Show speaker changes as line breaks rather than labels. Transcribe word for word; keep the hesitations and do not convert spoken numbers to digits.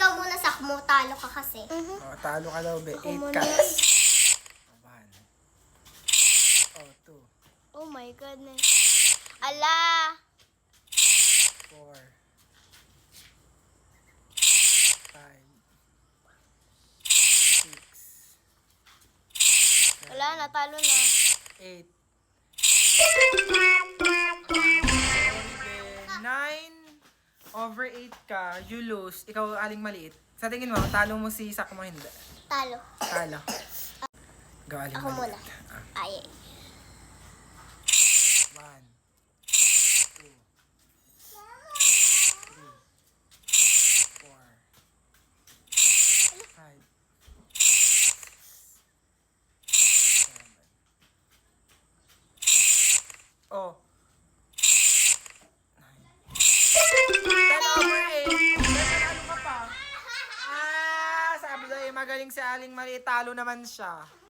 ikaw muna, sakmo. Talo ka kasi.
Oh, talo ka daw, be.
Ako
Eight
muna.
cuts. One. Oh, two.
Oh my goodness. Ala!
Four. Five. Six.
Wala, natalo na.
Eight. Nine over eight ka, you lose. Ikaw aling maliit. Sa tingin mo, talo mo si Sak mo hindi.
Talo.
Talo. Go aling
Ako muna.
maliit. Ah.
Ay.
One. Two. Three. Four. Five. Seven. Oh. Nine. Ten over eight. Nanalo ka pa. Ah, sabi daw eh, magaling si Aling Maliit. Talo naman siya.